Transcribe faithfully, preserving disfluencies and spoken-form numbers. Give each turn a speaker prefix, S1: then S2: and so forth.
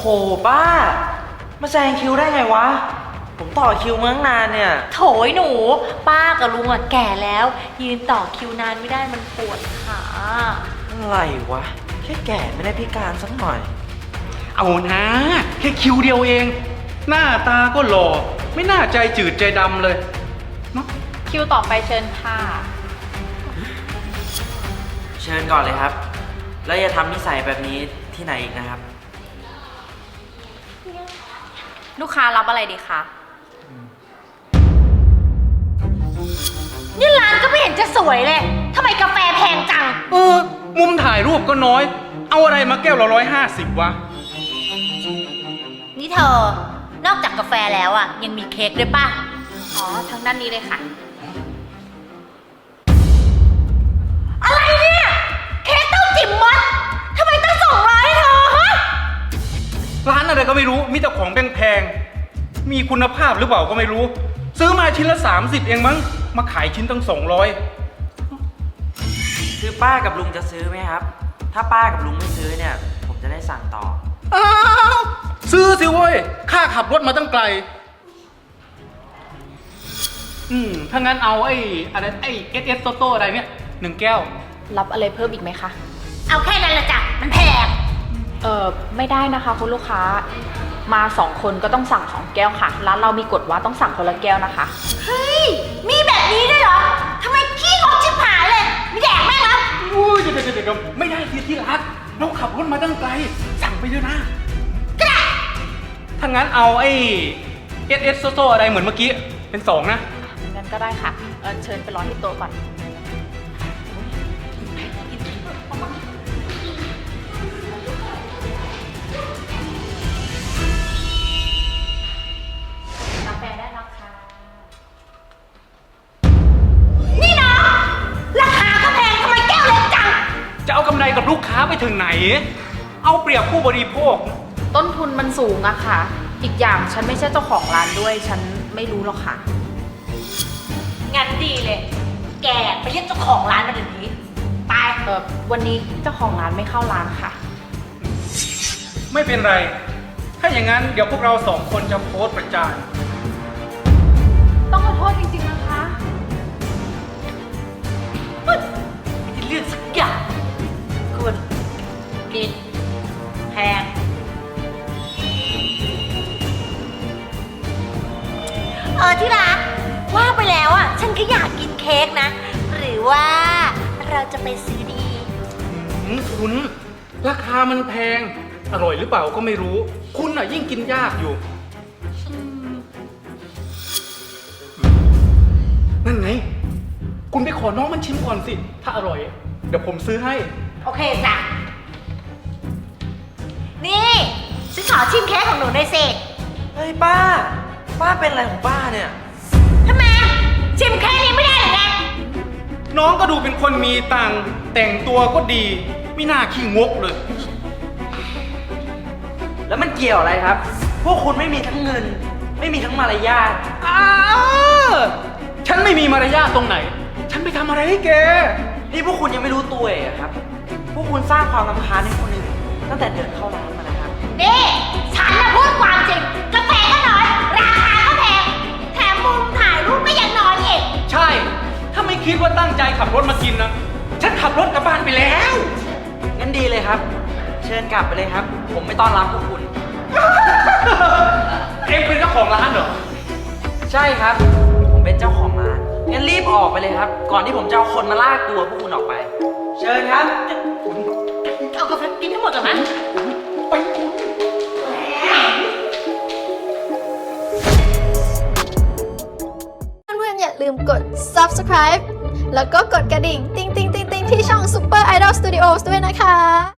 S1: โหป้ามาแซงคิวได้ไงวะผมต่อคิวมาตั้งนานเนี่ย
S2: โถยหนูป้ากับลุงอะแก่แล้วยืนต่อคิวนานไม่ได้มันปวดขา
S1: อะไรวะแค่แก่ไม่ได้พิการสักหน่อย
S3: เอานะแค่คิวเดียวเองหน้าตาก็หล่อไม่น่าใจจืดใจดำเลยเนาะ
S2: คิวต่อไปเชิญค่ะ
S1: เชิญก่อนเลยครับแล้วอย่าทำนิสัยแบบนี้ที่ไหนอีกนะครับ
S2: ลูกค้ารับอะไรดีคะนี่ร้านก็ไม่เห็นจะสวยเลยทำไมกาแฟแพงจัง
S3: เออมุมถ่ายรูปก็น้อยเอาอะไรมาแก้วละร้อยห้าสิบวะ
S2: นี่เธอนอกจากกาแฟแล้วอ่ะยังมีเค้กด้วยป่ะอ๋อทางด้านนี้เลยค่ะอะไรเนี่ยเค้กเต้าจิ๋มมัดทำไมต้องส่งร้อยให้เธอฮะ
S3: ร้านอะไรก็ไม่รู้มีแต่ของแพงๆมีคุณภาพหรือเปล่าก็ไม่รู้ซื้อมาชิ้นละสามสิบเองมั้งมาขายชิ้นตั้งสองร้อย
S1: คือป้ากับลุงจะซื้อไหมครับถ้าป้ากับลุงไม่ซื้อเนี่ยผมจะได้สั่งต่อ
S3: อ้าวซื้อสิเว้ยค่าขับรถมาตั้งไกลอืมถ้างั้นเอาไอ้อะไรไอ้เอสเอสโตโต้อะไรเนี่ยหนึ่งแก้ว
S2: รับอะไรเพิ่มอีกไหมคะเอาแค่นั้นละจ้ะมันแพงเออไม่ได้นะคะคุณลูกค้ามาสองคนก็ต้องสั่งสองแก้วค่ะร้านเรามีกฎว่าต้องสั่งคนละแก้วนะคะเฮ้ยมีแบบนี้ด้วยเหรอทำไมขี้งกชิบหายเลยมีแดกแม่งแล้ว
S3: อุ้ยเดี๋ยวเดี๋ยวเดี๋ยวไม่ได้ที่ที่รักเราขับรถมาตั้งไกลสั่งไปเยอะนะ
S2: ก็ได้
S3: ถ้างั้นเอาไอ้เอสเอสโซโซอะไรเหมือนเมื่อกี้เป็นสองนะ
S2: งั้นก็ได้ค่ะเออเชิญไปรอที่โต๊ะก่อนกาแฟได้แล้วค่ะนี่นะราคาก็แพงทำไมแก้วเล็กจัง
S3: จะเอากำไรกับลูกค้าไปถึงไหนเอาเปรียบผู้บริโภค
S2: ต้นทุนมันสูงอะค่ะอีกอย่างฉันไม่ใช่เจ้าของร้านด้วยฉันไม่รู้หรอกค่ะงั้นดีเลยแกไปเรียกเจ้าของร้านมาเดี๋ยวนี้ไปเออวันนี้เจ้าของร้านไม่เข้าร้านค่ะ
S3: ไม่เป็นไรถ้าอย่างนั้นเดี๋ยวพวกเราสองคนจะโพสต์ประจาน
S2: ต้องขอโทษจริงๆนะคะไม่ได้เรื่องสักอย่างคุณกินแพงเออที่รักว่าไปแล้วอ่ะฉันก็อยากกินเค้กนะหรือว่าเราจะไปซื้อดี
S3: คุณราคามันแพงอร่อยหรือเปล่าก็ไม่รู้คุณอ่ะยิ่งกินยากอยู่นั่นไงคุณไปขอน้องมันชิมก่อนสิถ้าอร่อยเดี๋ยวผมซื้อให้
S2: โอเคจ้ะนี่ฉันขอชิมเค้กของหนูหน่อยสิ
S1: เฮ้ยป้าป้าเป็นอะไรของป้าเนี่ย
S2: ทำไมชิมแค่นี้ไม่ได้หรือไง
S3: น้องก็ดูเป็นคนมีตังค์แต่งตัวก็ดีไม่น่าขี้งกเลย
S1: แล้วมันเกี่ยวอะไรครับพวกคุณไม่มีทั้งเงินไม่มีทั้งมารยาท
S3: อ้าฉันไม่มีมารยาทตรงไหนฉันไปทำอะไรให้แก
S1: นี่พวกคุณยังไม่รู้ตัวเองครับพวกคุณสร้างความรำคาญให้คนอื่นตั้งแต่เดินเข้าร้านมานะครับ
S2: นี่ฉันน่ะพูดความจริงกาแฟก็น้อยราคาก็แพงแถมมุมถ่ายรูปก็ยังน้อยอีก
S3: ใช่ถ้าไม่คิดว่าตั้งใจขับรถมากินนะฉันขับรถกลับบ้านไปแล้ว
S1: งั้นดีเลยครับเชิญกลับไปเลยครับผมไม่ต้อนรับพวกคุณ
S3: เอ็งเป็นเจ้าของร้านเหรอ
S1: ใช่ครับผมเป็นเจ้าของร้านงั้นรีบออกไปเลยครับก่อนที่ผมจะเอาคนมาลากตัวพวกคุณออกไปเชิญครับ
S2: เอากาแฟกินทั้งหมดก่อนนะ
S3: ไป
S4: เพื่อนๆอย่าลืมกด ซับสไครบ์ แล้วก็กดกระดิ่งติ๊งติ๊งติ๊งติ๊งที่ช่อง Super Idol Studios ด้วยนะคะ